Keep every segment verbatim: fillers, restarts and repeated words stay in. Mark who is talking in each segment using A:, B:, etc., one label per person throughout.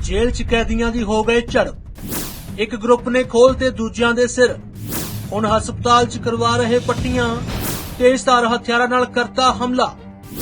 A: Jail च कैदियां दी हो गए झड़प। एक ग्रुप ने खोलते दूजियां दे सिर। हुण हस्पताल च करवा रहे पट्टियां। तेजधार हथियारां नाल करता हमला।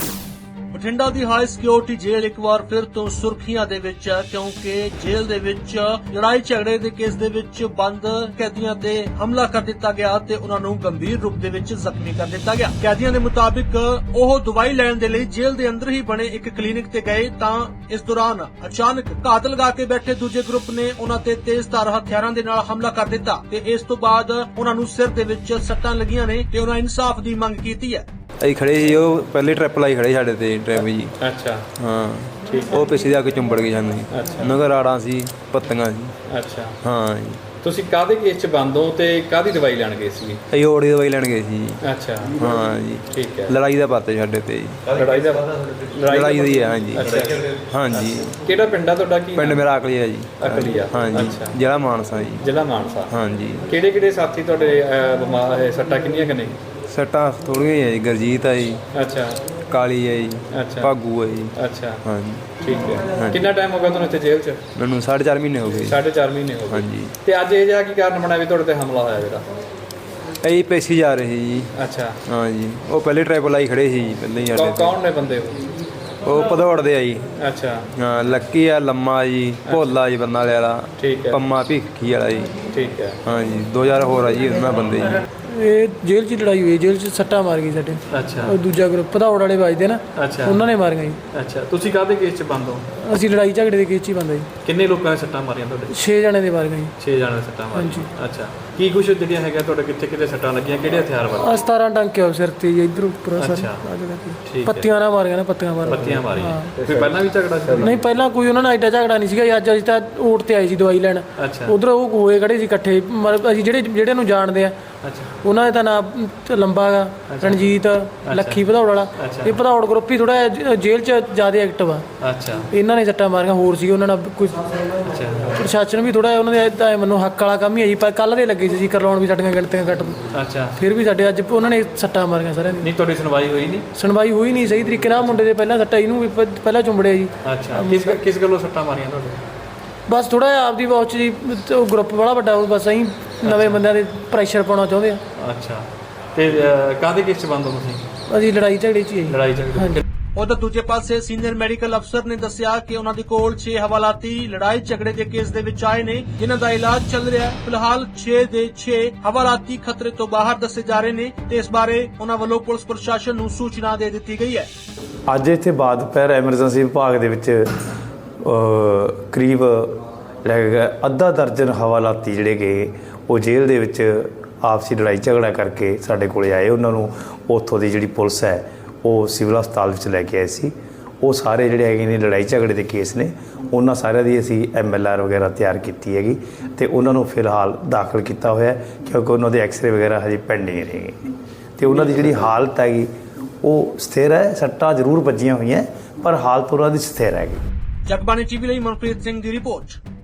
A: बठिंडा दी हाई सिक्योरिटी जेल एक बार फिर तो सुर्खियां दे विच है, क्योंकि जेल दे विच लड़ाई झगड़े दे केस दे विच बंद कैदियां ते हमला कर दिता गया ते उन्हां नूं गंभीर रूप दे विच जख्मी कर दिता गया। कैदियां दे मुताबिक ओह दवाई लैण दे लई जेल दे अंदर ही बने एक क्लीनिक ते गए तां इस दौरान अचानक घात लगा के बैठे दूजे ग्रुप ने उन्हां ते तेजधार हथियारां दे नाल हमला कर दिता ते इस तो बाद उन्हां नूं सिर दे विच सट्टां लगियां ने ते उन्हां इंसाफ दी मंग कीती है।
B: ਅਸੀਂ ਖੜੇ ਸੀ, ਉਹ ਪਹਿਲੇ ਟ੍ਰਿਪ ਲਾਈ ਖੜੇ ਸਾਡੇ ਤੇ ਡਰਾਈਵਰ ਜੀ।
C: ਅੱਛਾ
B: ਹਾਂ
C: ਠੀਕ
B: ਉਹ ਪਿੱਛੇ ਜਾ ਕੇ ਚੁੰਬੜ ਗਏ ਸਾਨੂੰ।
C: ਅੱਛਾ।
B: ਉਹਨਾਂ ਕੋਲ ਰਾੜਾਂ ਸੀ, ਪੱਤੀਆਂ ਸੀ।
C: ਅੱਛਾ
B: ਹਾਂ ਜੀ।
C: ਤੁਸੀਂ ਕਾਹਦੇ ਕੇਸ 'ਚ ਬੰਦ ਹੋ ਤੇ ਕਾਹਦੀ ਦਵਾਈ ਲੈਣ ਗਏ ਸੀ?
B: ਅਸੀਂ ਓੜ ਦੀ ਦਵਾਈ ਲੈਣ ਗਏ ਸੀ ਜੀ।
C: ਅੱਛਾ
B: ਹਾਂ ਜੀ।
C: ਠੀਕ ਹੈ।
B: ਲੜਾਈ ਦਾ ਪਤਾ ਸਾਡੇ ਤੇ ਜੀ।
C: ਲੜਾਈ ਦਾ
B: ਲੜਾਈ ਦੀ ਹੈ। ਹਾਂ ਜੀ।
C: ਅੱਛਾ
B: ਹਾਂ ਜੀ।
C: ਕਿਹੜਾ ਪਿੰਡ ਆ ਤੁਹਾਡਾ? ਕੀ
B: ਪਿੰਡ ਮੇਰਾ ਅਕਲੀ ਹੈ ਜੀ।
C: ਅਕਲੀ ਆ।
B: ਹਾਂ ਜੀ।
C: ਅੱਛਾ।
B: ਜ਼ਿਲ੍ਹਾ ਮਾਨਸਾ ਜੀ।
C: ਜ਼ਿਲ੍ਹਾ ਮਾਨਸਾ।
B: ਹਾਂ ਜੀ।
C: ਕਿਹੜੇ ਕਿਹੜੇ ਸਾਥੀ ਤੁਹਾਡੇ ਅਹ, ਬਿਮਾਰ ਹੈ? ਸੱਟਾਂ ਕਿੰਨੀਆਂ ਕਿ ਨਹੀਂ?
B: ਸੱਟਾਂ ਥੋੜ੍ਹੀਆਂ ਹੀ ਹੈ ਜੀ। ਗੁਰਜੀਤ ਹੈ ਜੀ,
C: ਅੱਛਾ
B: ਕਾਲੀ ਹੈ ਜੀ,
C: ਅੱਛਾ
B: ਭਾਗੂ ਹੈ ਜੀ।
C: ਅੱਛਾ
B: ਹਾਂ ਜੀ।
C: ਠੀਕ ਹੈ। ਕਿੰਨਾ ਟਾਈਮ ਹੋ ਗਿਆ ਤੁਹਾਨੂੰ ਇੱਥੇ ਜੇਲ੍ਹ 'ਚ?
B: ਮੈਨੂੰ ਸਾਢੇ ਚਾਰ ਮਹੀਨੇ ਹੋ ਗਏ।
C: ਸਾਢੇ ਚਾਰ ਮਹੀਨੇ ਹੋ ਗਏ।
B: ਹਾਂ ਜੀ।
C: ਤੇ ਅੱਜ ਇਹ ਜਿਹਾ ਕੀ ਕਾਰਨ ਬਣਿਆ ਵੀ ਤੁਹਾਡੇ ਤੇ ਹਮਲਾ ਹੋਇਆ ਜਿਹੜਾ?
B: ਅਸੀਂ ਪੇਸ਼ੀ ਜਾ ਰਹੇ ਸੀ ਜੀ।
C: ਅੱਛਾ।
B: ਹਾਂ ਜੀ। ਉਹ ਪਹਿਲੇ ਟ੍ਰਿਪ ਲਾਈ ਖੜੇ ਸੀ ਜੀ ਪਹਿਲੇ ਹੀ
C: ਕੌ-
B: ਸਾਡੇ
C: ਕੌਣ ਨੇ ਬੰਦੇ ਉਹ?
B: ਉਹ ਭਦੌੜ ਦੇ ਆ ਜੀ।
C: ਅੱਛਾ
B: ਹਾਂ ਲੱਕੀ ਆ, ਲੰਮਾ ਜੀ, ਭੋਲਾ ਜੀ ਬੰਨਾ ਵਾਲਾ,
C: ਠੀਕ ਹੈ।
B: ਪੰਮਾ ਭਿੱਖੀ ਵਾਲਾ ਜੀ।
C: ਠੀਕ ਹੈ।
B: ਹਾਂ ਜੀ। ਦੋ ਹਜ਼ਾਰ ਹੋਰ ਆ ਜੀ ਉਹਨਾਂ ਬੰਦੇ ਜੀ।
D: ਇਹ ਜੇਲ੍ਹ 'ਚ ਲੜਾਈ ਹੋਈ, ਜੇਲ੍ਹ 'ਚ ਸੱਟਾਂ ਮਾਰ ਗਈ ਸਾਡੇ।
C: ਅੱਛਾ
D: ਉਹ ਦੂਜਾ ਗਰੁੱਪ ਭਦੌੜ ਵਾਲੇ ਵੱਜਦੇ ਨਾ,
C: ਅੱਛਾ
D: ਉਹਨਾਂ ਨੇ ਮਾਰੀਆਂ ਜੀ।
C: ਅੱਛਾ ਤੁਸੀਂ ਕਾਹਦੇ ਕੇਸ 'ਚ ਬੰਦ ਹੋ?
D: ਅਸੀਂ ਲੜਾਈ ਝਗੜੇ ਦੇ ਕੇਸ 'ਚ ਹੀ ਬੰਦਾ ਜੀ।
C: ਕਿੰਨੇ ਲੋਕਾਂ ਨੇ ਸੱਟਾਂ ਮਾਰੀਆਂ ਤੁਹਾਡੇ?
D: ਛੇ ਜਣੇ ਦੇ ਮਾਰੀਆਂ ਜੀ।
C: ਛੇ ਜਣੇ ਸੱਟਾਂ ਮਾਰੀਆਂ।
D: ਹਾਂਜੀ।
C: ਅੱਛਾ ਕੀ ਕੁਛ ਜਿਹੜੀਆਂ ਹੈਗਾ ਤੁਹਾਡੇ ਕਿੱਥੇ ਕਿੱਥੇ ਸੱਟਾਂ ਲੱਗੀਆਂ, ਕਿਹੜੇ ਹਥਿਆਰ ਵਾਲੇ?
D: ਆ ਸਤਾਰਾਂ ਟਾਂਕੇ ਆ ਸਿਰ ਤੇ ਜੀ, ਇੱਧਰ ਉੱਪਰ ਸਰ
C: ਅੱਛਾ। ਠੀਕ ਹੈ।
D: ਪੱਤੀਆਂ ਨਾਲ ਮਾਰੀਆਂ ਨੇ, ਪੱਤੀਆਂ ਮਾਰ
C: ਪੱਤੀਆਂ ਮਾਰੀਆਂ। ਫਿਰ ਪਹਿਲਾਂ ਵੀ ਝਗੜਾ ਸੀ?
D: ਨਹੀਂ ਪਹਿਲਾਂ ਕੋਈ ਉਹਨਾਂ ਨਾਲ ਐਡਾ ਝਗੜਾ ਨਹੀਂ ਸੀਗਾ ਜੀ। ਅੱਜ ਅਸੀਂ ਤਾਂ ਓਟ ਤੇ ਆਏ ਸੀ ਦਵਾਈ ਲੈਣ।
C: ਅੱਛਾ
D: ਉਧਰ ਉਹ ਹੋਏ ਖੜੇ ਸੀ ਇਕੱਠੇ। ਮਤਲਬ ਅਸੀਂ ਜਿਹੜੇ ਜਿਹੜੇ ਨੂੰ ਜਾਣਦੇ ਆ,
C: ਅੱਛਾ
D: ਉਹਨਾਂ ਦਾ ਤਾਂ ਨਾਮ ਲੰਬਾ ਗਾ, ਰਣਜੀਤ, ਲੱਖੀ ਭਦੌੜ ਵਾਲਾ। ਇਹ ਭਦੌੜ ਗਰੁੱਪ ਹੀ ਥੋੜਾ ਜੇਲ੍ਹ 'ਚ ਜ਼ਿਆਦਾ ਐਕਟਿਵ ਆ।
C: ਅੱਛਾ
D: ਇਹਨਾਂ ਨੇ ਸੱਟਾਂ ਮਾਰੀਆਂ, ਹੋਰ ਸੀ ਉਹਨਾਂ ਨਾਲ ਕੋਈ
C: ਅੱਛਾ
D: ਪ੍ਰਸ਼ਾਸਨ ਵੀ ਥੋੜਾ ਉਹਨਾਂ ਦੇ ਇੱਦਾਂ ਮੈਨੂੰ ਹੱਕ ਵਾਲਾ ਕੰਮ ਹੀ ਹੈ ਜੀ। ਪਰ ਕੱਲ੍ਹ ਦੇ ਲੱਗੇ ਸੀ ਕਰਵਾਉਣ ਵੀ ਸਾਡੀਆਂ ਗਿਣਤੀਆਂ ਕੱਟ।
C: ਅੱਛਾ
D: ਫਿਰ ਵੀ ਸਾਡੇ ਅੱਜ ਉਹਨਾਂ ਨੇ ਸੱਟਾਂ ਮਾਰੀਆਂ ਸਾਰਿਆਂ ਦੀ।
C: ਨਹੀਂ ਤੁਹਾਡੀ ਸੁਣਵਾਈ ਹੋਈ ਨਹੀਂ?
D: ਸੁਣਵਾਈ ਹੋਈ ਨਹੀਂ ਸਹੀ ਤਰੀਕੇ ਨਾਲ। ਮੁੰਡੇ ਦੇ ਪਹਿਲਾਂ ਸੱਟਾਂ, ਇਹਨੂੰ ਵੀ ਪ- ਪਹਿਲਾਂ ਚੁੰਬੜਿਆ ਜੀ।
C: ਅੱਛਾ ਕਿਸ ਕਿਸ ਗੱਲੋਂ ਸੱਟਾਂ ਮਾਰੀਆਂ ਤੁਹਾਡੇ?
D: ਬਸ ਥੋੜਾ ਜਿਹਾ ਆਪਦੀ ਵਾਚ ਜੀ, ਉਹ ਗਰੁੱਪ ਬੜਾ ਵੱਡਾ, ਉਹ ਬਸ ਅਸੀਂ ਨਵੇਂ ਬੰਦਿਆਂ ਦੇ ਪ੍ਰੈਸ਼ਰ ਪਾਉਣਾ ਚਾਹੁੰਦੇ ਆ।
C: ਅੱਛਾ ਤੇ ਅਹ, ਕਾਹਦੇ ਕੇਸ 'ਚ ਬੰਦ ਹੋ ਤੁਸੀਂ?
D: ਅਸੀਂ ਲੜਾਈ ਝਗੜੇ 'ਚ ਹੀ ਆ ਜੀ।
C: ਲੜਾਈ ਝਗੜੇ?
D: ਹਾਂਜੀ।
A: ਉਧਰ ਦੂਜੇ ਪਾਸੇ ਸੀਨੀਅਰ ਮੈਡੀਕਲ ਅਫਸਰ ਨੇ ਦੱਸਿਆ ਕਿ ਉਹਨਾਂ ਦੇ ਕੋਲ ਛੇ ਹਵਾਲਾਤੀ ਲੜਾਈ ਝਗੜੇ ਦੇ ਕੇਸ ਦੇ ਵਿੱਚ ਆਏ ਨੇ, ਜਿਨ੍ਹਾਂ ਦਾ ਇਲਾਜ ਚੱਲ ਰਿਹਾ ਹੈ। ਫਿਲਹਾਲ ਛੇ ਦੇ ਛੇ ਹਵਾਲਾਤੀ ਖਤਰੇ ਤੋਂ ਬਾਹਰ ਦੱਸੇ ਜਾ ਰਹੇ ਨੇ ਤੇ ਇਸ ਬਾਰੇ ਉਹਨਾਂ ਵੱਲੋਂ ਪੁਲਿਸ ਪ੍ਰਸ਼ਾਸਨ ਨੂੰ ਸੂਚਨਾ ਦੇ ਦਿੱਤੀ ਗਈ ਹੈ।
E: ਅੱਜ ਇੱਥੇ ਬਾਅਦ ਦੁਪਹਿਰ ਐਮਰਜੈਂਸੀ ਵਿਭਾਗ ਦੇ ਵਿੱਚ ਅ, ਕਰੀਬ ਜਿਹੜਾ ਅੱਧਾ ਦਰਜਨ ਹਵਾਲਾਤੀ ਜਿਹੜੇ ਕਿ ਉਹ ਜੇਲ੍ਹ ਦੇ ਵਿੱਚ ਆਪਸੀ ਲੜਾਈ ਝਗੜਾ ਕਰਕੇ ਸਾਡੇ ਕੋਲੇ ਆਏ। ਉਹਨਾਂ ਨੂੰ ਉੱਥੋਂ ਦੀ ਜਿਹੜੀ ਪੁਲਿਸ ਹੈ ਉਹ ਸਿਵਲ ਹਸਪਤਾਲ ਵਿੱਚ ਲੈ ਕੇ ਆਏ ਸੀ। ਉਹ ਸਾਰੇ ਜਿਹੜੇ ਹੈਗੇ ਨੇ ਲੜਾਈ ਝਗੜੇ ਦੇ ਕੇਸ ਨੇ, ਉਹਨਾਂ ਸਾਰਿਆਂ ਦੀ ਅਸੀਂ ਐਮ ਐਲ ਆਰ ਵਗੈਰਾ ਤਿਆਰ ਕੀਤੀ ਹੈਗੀ ਅਤੇ ਉਹਨਾਂ ਨੂੰ ਫਿਲਹਾਲ ਦਾਖਲ ਕੀਤਾ ਹੋਇਆ, ਕਿਉਂਕਿ ਉਹਨਾਂ ਦੇ ਐਕਸਰੇ ਵਗੈਰਾ ਹਜੇ ਪੈਂਡਿੰਗ ਰਹੇਗੇ ਅਤੇ ਉਹਨਾਂ ਦੀ ਜਿਹੜੀ ਹਾਲਤ ਹੈਗੀ ਉਹ ਸਥਿਰ ਹੈ। ਸੱਟਾਂ ਜ਼ਰੂਰ ਵੱਜੀਆਂ ਹੋਈਆਂ ਪਰ ਹਾਲਤ ਉਹਨਾਂ ਦੀ ਸਥਿਰ ਹੈਗੀ।
A: ਜਗਬਾਣੀ ਟੀਵੀ ਲਈ ਮਨਪ੍ਰੀਤ ਸਿੰਘ ਦੀ ਰਿਪੋਰਟ।